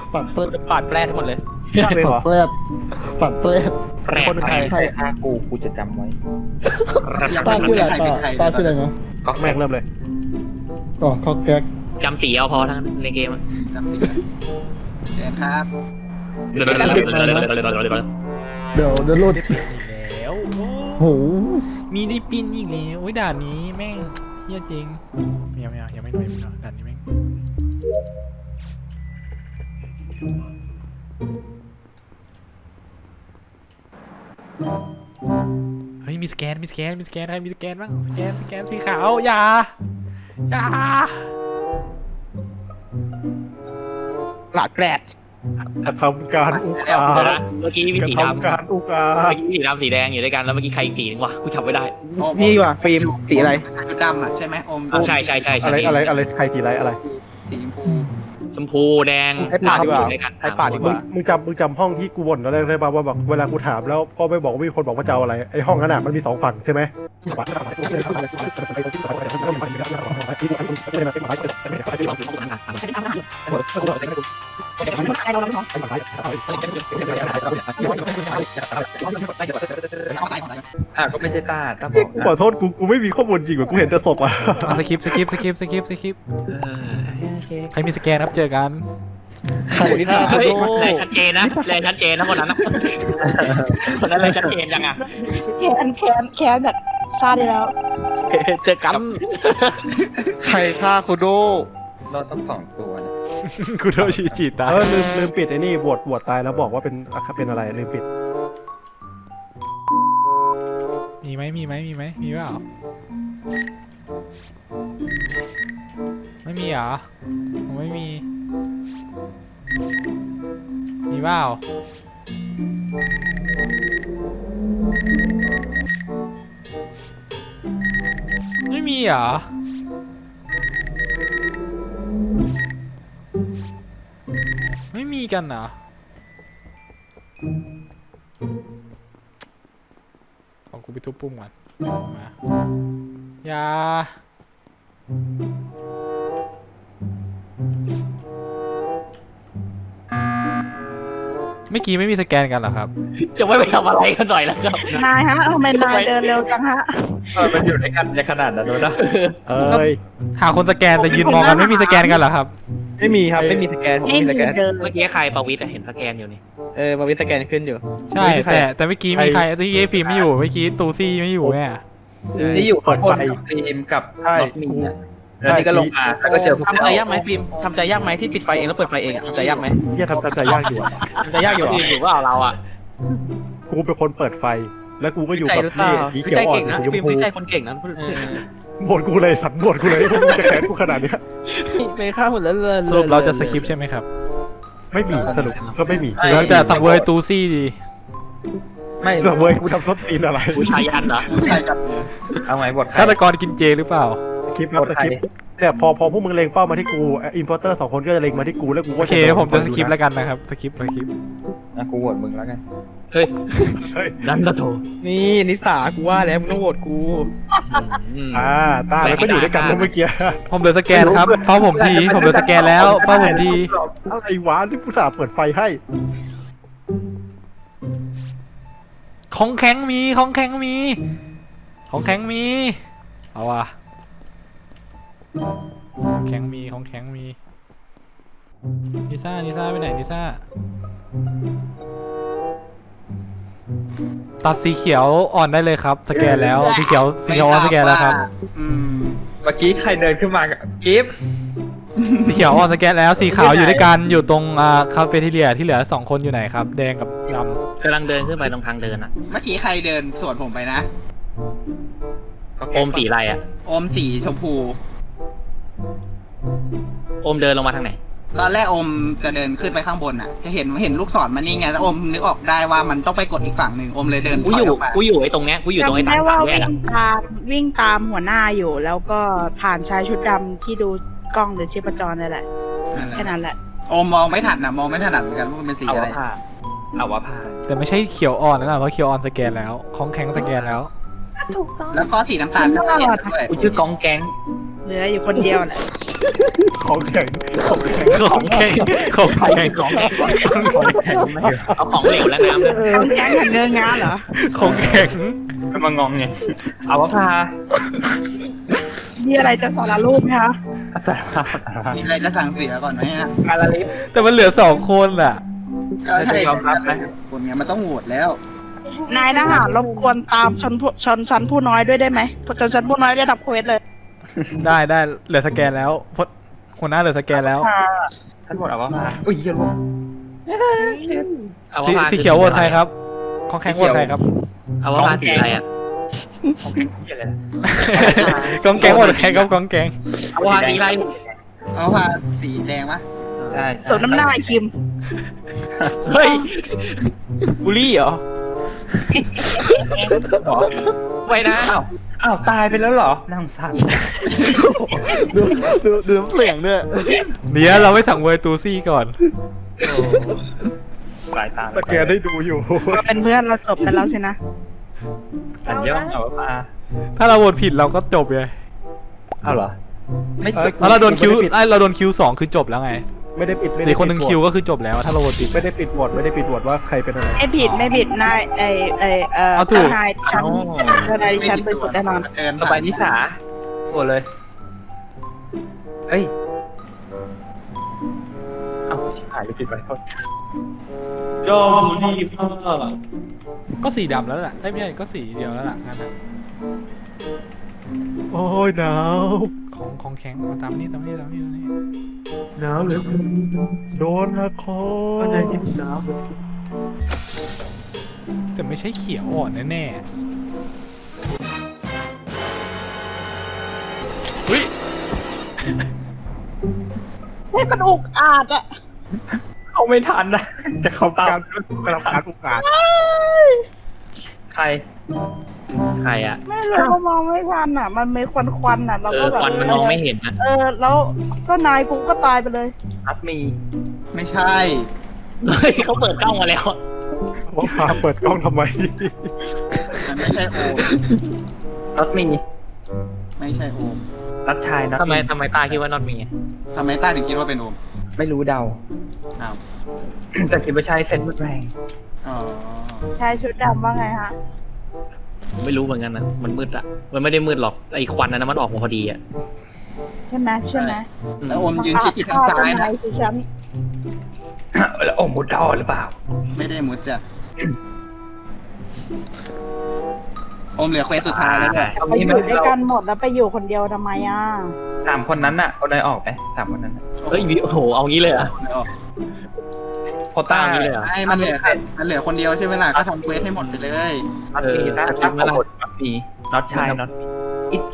ปัดเปิดปาดแปรทั้งหมดเลยปัดเปิดปัดเปิดแปรคนเป็นใครใครฆ่ากูจะจำไว้ป้าชื่ออะไรป้าชื่ออะไรนะก็แม่งเริ่มเลยอ๋อเขาแก๊กจำสีเอาพอทั้งในเกมจำสิเชิญครับเดี๋ยวหลุดแล้วโหมีได้ปินอีกแล้วโอ้ยด่านนี้แม่งเฮี้ยจริงไม่เอายังไม่หน่อยด่านนี้แม่งเฮ้ยมีสแกนใครมีสแกนบ้างสแกนสีขาวอย่าหลาดแกรดกระทำการอุกอาจเมื่อกี้มีกระสีทำดำการอุกอาเมื่จอกี้สีดำสีแดงอยู่ด้วยกันแล้วเมื่อกี้ใครอีกสีนึงวะกูจำไม่ได้นี่ว่ะฟิล์มสีอะไรชุดดำอ่ะใช่ไหมอมใช่อะไรใครสีอะไรอะไรสีชมพูชมพูแดงให้ปาดดีกว่าอยู่ด้วยกันให้ปาดดีกว่ามึงจำห้องที่กูบ่นตอนแรกได้ป่ะว่าแบบเวลากูถามแล้วก็ไม่บอกว่ามีคนบอกว่าจะเอาอะไรไอ้ห้องนั้นอ่ะมันมี2ฝั่งใช่ไหมเอาใส่ก็ไม่ใช่ต้าบอกกูขอโทษกูไม่มีข้อมูลจริงว่ะกูเห็นแต่ศพอ่ะสคริปใครมีสแกนครับเจอกันใครฆ่าเฮ้ยโดแรงชัดเจนนะคนนั้นนะคนนั้นแรงชัดเจนยังอ่ะแค้นแบบซาดีแล้วเจอกันใครฆ่าคุโดเราต้อง2ตัวนะกูโดนฉีดตายลืมปิดไอ้นี่บวชตายแล้วบอกว่าเป็นอะไรลืมปิดมีไหมมีเปล่าไม่มีเหรอผมไม่มีเปล่าไม่มีเหรอไม่มีกันเหรอของกูไปทุบปุ่มก่อนมาอย่าเมื่อกี้ไม่มีสแกนกันเหรอครับจะไม่ไปทำอะไรกันหน่อยแล้วครับนายฮะทำไมนายเดินเร็วจังฮะมันอยู่ด้วยกันในขนาดนั้นเลยนะเอ้ยหาคนสแกนแต่ยืนมองกันไม่มีสแกนกันเหรอครับไม่มีครับไม่มีสแกนผมไม่มีมีสแกนเดินเมื่อกี้ใครประวิตรเห็นสแกนอยู่นี่มาวิสแกนขึ้นอยู่ใช่แต่เมื่อกี้มีใครที่เอฟิล์มไม่อยู่เมื่อกี้ตูซี่ไม่อยู่แม่นี่อยู่ข้างบนกับฟิล์มกับใช่น็อตมีอ่ะแล้วนี่ก็ลงมาแล้วก็เจอพวกทำใจยากไหมฟิล์มทำใจยากไหมที่ปิดไฟเองแล้วเปิดไฟเองอะทำใจยากไหมเที่ยทำใจยากอยู่อะทำใจยากอยู่เหรออยู่ว่าเราอ่ะกูเป็นคนเปิดไฟ แล้วกูก็อยู่ใจกับหรือเปล่านี่สีฟิเขียวอ่อล์มใจเก่นงนะสีชมฟิล์มพูฟิล์มใจคนเก่งนะบ่นกูเลยสัตว์บ่นกูเลยพวกมึงจะแค้นกูขนาดเนี้ยไม่ฆ่าหมดแล้วเลยสรุปเราจะสคริปต์ใช่ไหมครับไม่มีสรุปก็ไม่มีเราจะสังเวยตูซี่ดีไม่แต่เว้ยกูทำซดตีนอะไรผู้ชายยันเหรอใช่ครับเอาไงบทใครฆาตกรกินเจหรือเปล่าคลิปครับสคริปต์เนี่ยพอพวกมึงเล็งเป้ามาที่กูอินพอร์เตอร์2 คนก็จะเล็งมาที่กูแล้วกูโอก็เคผมจะสคริปต์แล้วกันนะครับสคริปต์กูโหวตมึงแล้วกันเฮ้ยเฮ้ยดันกระโถนี่นิสากูว่าแล้วมึงต้องโหวตกูตาแล้วก็อยู่ด้วยกันเมื่อกี้ผมเหลือสแกนครับเฝ้าผมทีผมเหลือสแกนแล้วเฝ้าผมทีอะไรวะที่ผู้สาห์เปิดไฟให้ของแข็งมีเอาว่ะของแข็งมีลิซ่าไปไหนลิซ่าตัดสีเขียวอ่อนได้เลยครับสแกนแล้วสีเขียวอ่อนสแกนแล้วครับอืมเมื่อกี้ใครเดินขึ้นมากับกิฟต์สีเขียวอ่อนสแกนแล้วสีขาวอยู่ด้วยกันอยู่ตรงคาเฟ่ทีเรียที่เหลือ2 คนอยู่ไหนครับแดงกับดำกำลังเดินขึ้นไปตรงทางเดินอ่ะเมื่อกี้ใครเดินสวนผมไปนะโอมสีอะไรอ่ะอมสีชมพูโอมเดินลงมาทางไหนตอนแรกอมจะเดินขึ้นไปข้างบนอ่ะ จะเห็นลูกศรมันนี่ไงแล้วอมนึกออกได้ว่ามันต้องไปกดอีกฝั่งหนึ่งอมเลยเดินถกูอยอยู่ออกมากูอยู่ไอ้ตรงเนี้ยกูอยู่ตรงไอ้จำทาได้งว่าแยกวิ่อ่ะงตามหัวหน้าอยู่ แล้วก็ผ่านชายชุดดำที่ดูกล้องหรือชีพจรนั่นแหละแค่นั้นแหละอมมองไม่ทันนะมองไม่ถนัดเหมือนกันว่ามันเป็นสีเอาอะไรว่าผ่านเอาว่าผ่านแต่ไม่ใช่เขียวอ่อนนะเพราะเขียวอ่อนสแกนแล้วของแข็งสแกนแล้วถูกต้องแล้วก็สีน้ำตาลก็เห็นด้วยกูชื่อกองแก๊งเหลืออยู่คนเดียวแหละของแข็งของแข็งของแข็งของแข็งของเอาของเหลวและน้ำเลยทำแก๊งกันเงินงานเหรอของแข็งมางองไงเอาว่าพามีอะไรจะสอนรูปไหมคะสารภาพมีอะไรจะสั่งเสียก่อนไหมฮะการละลิฟแต่มันเหลือ2 คนอ่ะก็ใช่ยอมรับไหมคนเนี้ยมันต้องโหวตแล้วนายทหารรบกวนตามชนชั้นผู้น้อยด้วยได้ไหมชนชั้นผู้น้อยได้ดับเควสเลยได้เหลือสแกนแล้วพดหัวหน้าเหลือสแกนแล้วท่านหมดเอาว่าพาอุ้ยเหี้ยลูกเอาสีว่าสีเขียวโหวตใครครับของแข็งโหวตใครครับเอาว่าสีอะไรอ่ะของแข็งเหี้ยอะไรนะกองแกงโหวตใครครับกองแกงเอาว่าสีอะไรเอาพาสีแดงปะใช่สมน้ำหน้าไอ้คิมเฮ้ยบุลี่เหรอไว้นะอ้าวตายไปแล้วเหรอน่าสงสารดูน้ำเสียงด้วยเดี๋ยวเราไม่สั่งเวอร์ตูซี่ก่อนสายตาแต่แกได้ดูอยู่มาเป็นเพื่อนเราจบกันแล้วสินะอันย่องเอาว่าพาถ้าเราโหวตผิดเราก็จบเลยเอาเหรอไม่แล้วเราโดนคิวเราโดนคิว2คือจบแล้วไงไม่ได้ปิดไม่อีได้กคนหนึ่งคิวก็คือจบแล้วถ้าเราโหวตผิดไม่ได้ปิดโหวตไม่ได้ปิดโหวตว่าใครเป็นอะไรไม่ผิดนายเอาถูกเจ้านายฉันเจ้านายดิฉันเป็นสุดแน่นอนเดินต่อไปผ่านนิสาโหวตเลยเอ้ยเอาชิบหายเลยผิดไปโทษยอมดีพ่อก็สีดำแล้วล่ะไม่ใช่ก็สีเดียวแล้วล่ะงั้นนะโอ้ยหนาวของแข็งมาตามนี่หนาวเหลือเกินโดนละคก็รนายกินหนาวแต่ไม่ใช่เขียวอ่อนแน่ๆเฮ้ยให้มันอุกอาจอะเขาไม่ทันนะจะเข้าตามกำลังการโอกาสใครใครอ่ะไม่รู้ว่ามองไม่ทันอะมันมีควันอะเราเอก็อแบบควันมันมองไม่เห็นนะแล้วเจ้านายกูก็ตายไปเลยอัดมีไม่ใช่เฮ้ยเขาเปิดกล้องมาแล้วว่าพาเปิดกล้องทำไมมันไม่ใช่โอมนัดมีไม่ใช่โอมนัดชายนัดทำไมตาคิดว่านอนมีทำไมต้าถึงคิดว่าเป็นโอมไม่รู้เดาอ้าวแต่คิดว่าใช่เซ็นแรงอ๋อชายชุดดำว่าไงฮะไม่รู้เหมือนกันนะมันมืดอ่ะมันไม่ได้มืดหรอกไอ้ควันนั้นมันออกมาพอดีอ่ะใช่ไหมแล้วโอมยืนชิดอยู่ทางซ้ายนะคือฉันแล้วโอ้มุดดอหรือเปล่าไม่ได้มุดจ้ะโอมเหลือเควสสุดท้ายแล้วเนี่ยเอาไปงี้อไหมยู่ด้วยเรากันหมดแล้วไปอยู่คนเดียวทำไมอ่ะ 3 คนนั้นน่ะเอาได้ออกไหม3 คนนั้นน่ะเฮ้ยโอ้โหเอางี้เลยเหรอ่ะไม่ออกโคต้าเอางี้เลยเหรอไอ้มันเหลือคนเดียวใช่ไหมล่ะก็ทำเควสให้หมดไปเลยนัดมีนัดเออหมดนัดมีน็อตชายน็อตอิจี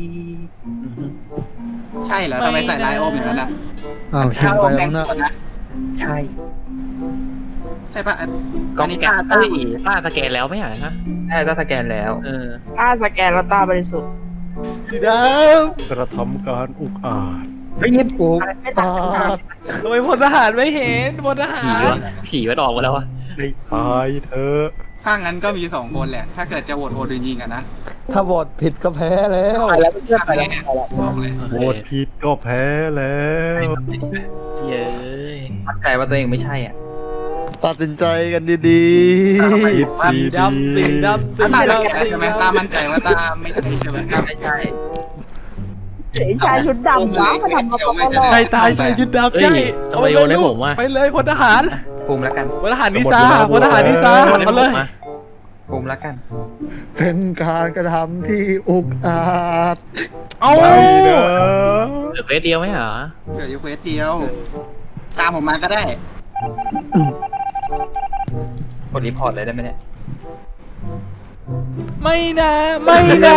ใช่เหรอทำไมใส่ลายโอมอย่างนั้นอ่ะอ้าวชิมถ้าโอไปมแบแล้งวค์นะนะใช่ใช่ปะกล้อัอน งนี้แกต้านเฮ้ยต้าสแกนแล้วไม่ใช่ฮะใช่ถ้าสแกนแล้วเออถ้าสแกนแล้วตาบริสุทธิ์สีดกระทำการอุกอาจเฮ้ยนี่โอ้ตาำทำไมพลทหารไม่เห็นพลทหาผีรวะผีมันออกมาแล้ววะได้ตายเธอะถ้างั้นก็มี2 คนแหละ ถ้าเกิดจะโหวตโอดินยิงกันนะถ้าบอดผิดก็แพ้แล้วถ้าแพ้บอกเลยโหวตผิดก็แพ้แล้วเย้ยมั่นใจว่าตัวเองไม่ใช่อ่ะตัดสินใจกันดีผิดสีดำสีดำสีถ้าตาสแกดำนใช่ไหมตามั่นใจว่าตาไม่ใช่ใช่ไหมถ้าไม่ใช่ไอ้ชายชุดดำวะมาทำมาปะใครตายใครยึดดำเฮ้ใช่ยเอาไปโยนให้ผมว่ะไปเลยพลทหารภูมิแล้วกันพลทหารนิซาพลทหารนิซาโยนให้เอาผเลยมมาภูมิแล้วกันๆ เป็นการกระทำที่อุกอาจเอาไม่นะเหลือเฟสเดียวไหมเหรอเกิดอยู่เควสเดียว ตามผมมาก็ได้กดรีพอร์ตเลยได้ไหมเนี่ยไม่นะไม่นะ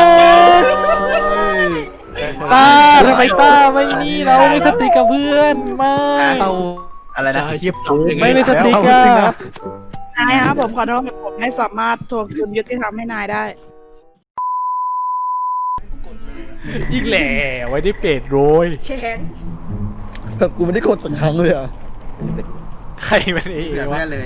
ตาทำไมตาไม่นี่เราไม่สติกับเพื่อนไม่เอาอะไรนะเทียบถูกไม่สติเอากัจริงนะนายครับผมขอโทษผมไม่สามารถทวงคืนยุติธรรมให้นายได้อีกแหล่ไว้ได้เป็ดโรยแข็งแบบกูไม่ได้กดสักครั้งเลยอ่ะใครเป็นเอเหลือวะแม่เลย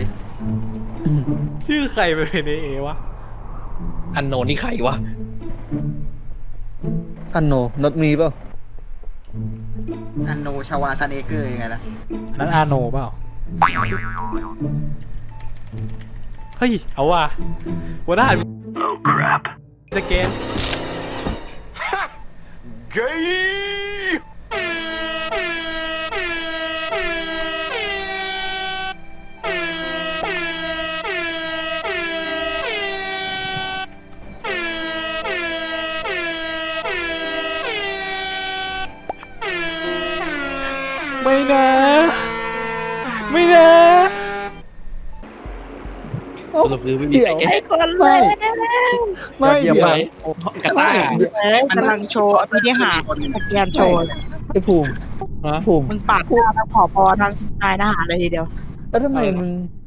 ชื่อใครเป็นเอวะอันโนนนี่ใครวะอันโนนดมีเปล่าอันโนชาวาซันเอเกอร์ยังไงล่ะอันนั้นอาโนเปล่าเฮ้ยเอาว่ะหัวหน้าสแกนไม่นะไม่นะสรุปคือไม่มีเดี๋ยวใครแก้ไอ้คนเลไม่ยไม่เยี่ยมเดี๋ยวมากกระต้ากำลังโชว์อภินิหารสแกนโชว์ไอ้ภูมิภูมิมึงปาดหน้าทั้งผอทั้งนายทหารเลยทีเดียวแล้วทำไมมึง